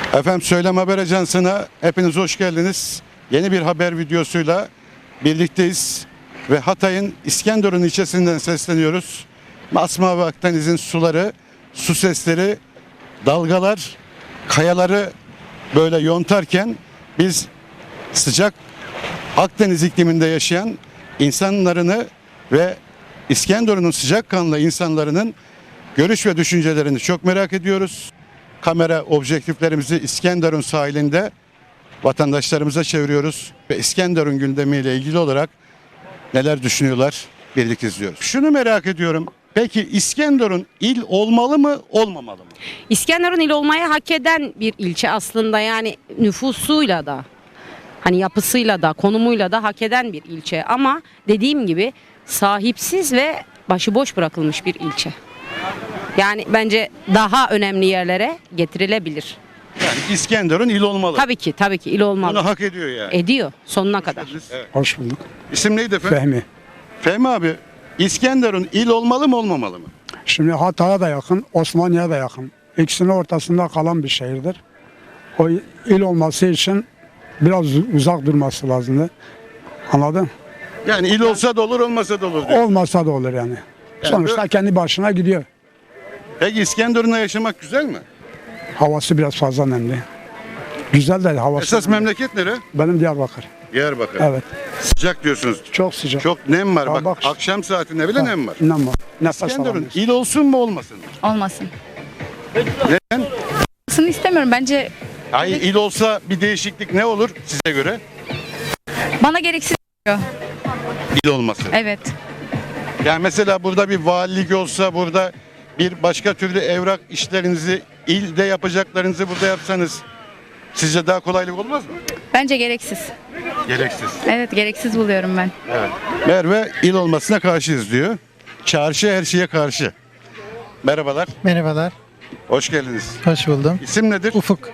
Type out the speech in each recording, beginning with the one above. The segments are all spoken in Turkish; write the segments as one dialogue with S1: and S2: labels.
S1: Efendim Söylem Haber Ajansı'na hepiniz hoş geldiniz. Yeni bir haber videosuyla birlikteyiz ve Hatay'ın İskenderun ilçesinden sesleniyoruz. Masmavi Akdeniz'in suları, su sesleri, dalgalar, kayaları böyle yontarken biz sıcak Akdeniz ikliminde yaşayan insanlarını ve İskenderun'un sıcakkanlı insanların görüş ve düşüncelerini çok merak ediyoruz. Kamera objektiflerimizi İskenderun sahilinde vatandaşlarımıza çeviriyoruz ve İskenderun gündemiyle ilgili olarak neler düşünüyorlar birlikte izliyoruz. Şunu merak ediyorum. Peki İskenderun il olmalı mı, olmamalı mı?
S2: İskenderun il olmayı hak eden bir ilçe aslında, yani nüfusuyla da, hani yapısıyla da, konumuyla da hak eden bir ilçe. Ama dediğim gibi sahipsiz ve başıboş bırakılmış bir ilçe. Yani bence daha önemli yerlere getirilebilir.
S1: Yani İskenderun il olmalı.
S2: Tabii ki il olmalı.
S1: Bunu hak ediyor yani.
S2: Ediyor sonuna kadar.
S1: Evet.
S3: Hoş bulduk.
S1: İsim neydi efendim?
S3: Fehmi.
S1: Fehmi abi, İskenderun il olmalı mı, olmamalı mı?
S3: Şimdi Hatay'a da yakın, Osmaniye'ye de yakın. İkisinin ortasında kalan bir şehirdir. O il olması için biraz uzak durması lazımdı. Anladın?
S1: Yani il olsa da olur, olmasa da olur diyor.
S3: Olmasa da olur yani. Sonuçta kendi başına gidiyor.
S1: Peki İskenderun'da yaşamak güzel mi?
S3: Havası biraz fazla nemli. Güzel de havası.
S1: Esas
S3: nemli.
S1: memleket nere?
S3: Benim Diyarbakır.
S1: Diyarbakır.
S3: Evet.
S1: Sıcak diyorsunuz.
S3: Çok sıcak.
S1: Çok nem var.
S3: Ha,
S1: Bak,
S3: bak.
S1: akşam saatinde bile nem var.
S3: Nem var. Nefes
S1: İskenderun
S3: alamıyorsun.
S1: il olsun mu, olmasın mı?
S4: Olmasın.
S1: Neden?
S4: Olmasını istemiyorum. Bence
S1: Hayır, il olsa bir değişiklik ne olur size göre?
S4: bana gereksiz geliyor.
S1: İl olması.
S4: Evet.
S1: Yani mesela burada bir valilik olsa, burada bir başka türlü evrak işlerinizi, ilde yapacaklarınızı burada yapsanız sizce daha kolaylık olmaz mı?
S4: Bence gereksiz.
S1: Gereksiz.
S4: Evet, gereksiz buluyorum ben.
S1: Evet. Merve il olmasına karşıyız diyor. Çarşı her şeye karşı. Merhabalar.
S5: Merhabalar,
S1: Hoş geldiniz.
S5: hoş buldum.
S1: İsim nedir?
S5: Ufuk.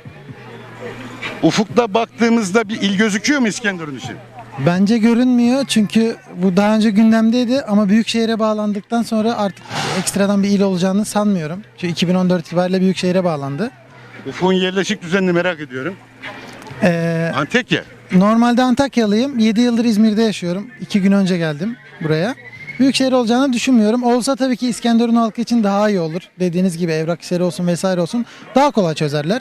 S1: Ufukta baktığımızda bir il gözüküyor mu İskenderun için?
S5: Bence görünmüyor çünkü bu daha önce gündemdeydi ama Büyükşehir'e bağlandıktan sonra artık ekstradan bir il olacağını sanmıyorum. Çünkü 2014 itibariyle Büyükşehir'e bağlandı.
S1: Ufuk'un yerleşik düzenini merak ediyorum. Antekya.
S5: Normalde Antakyalıyım, 7 yıldır İzmir'de yaşıyorum. 2 gün önce geldim buraya. Büyükşehir olacağını düşünmüyorum. Olsa tabii ki İskenderun halkı için daha iyi olur. Dediğiniz gibi evrak işleri olsun vesaire olsun daha kolay çözerler.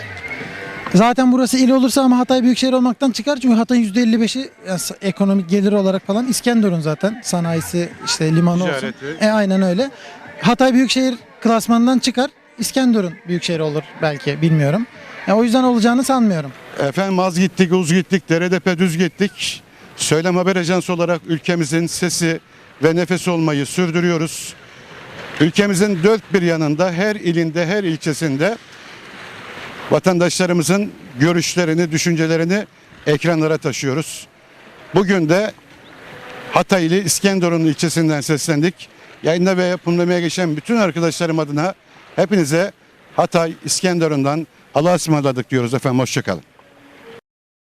S5: Zaten burası il olursa ama Hatay büyükşehir olmaktan çıkar. Çünkü Hatay'ın %55'i yani ekonomik gelir olarak falan İskenderun zaten. Sanayisi, işte limanı olsun.
S1: Ticareti.
S5: Aynen öyle. Hatay büyükşehir klasmanından çıkar. İskenderun büyükşehir olur belki, bilmiyorum. O yüzden olacağını sanmıyorum.
S1: Efendim az gittik, uz gittik, deredepe düz gittik. Söylem Haber Ajansı olarak ülkemizin sesi ve nefesi olmayı sürdürüyoruz. Ülkemizin dört bir yanında, her ilinde, her ilçesinde vatandaşlarımızın görüşlerini, düşüncelerini ekranlara taşıyoruz. Bugün de Hataylı İskenderun ilçesinden seslendik. Yayında ve yapımlamaya geçen bütün arkadaşlarım adına hepinize Hatay İskenderun'dan Allah'a ısmarladık diyoruz efendim. Hoşçakalın.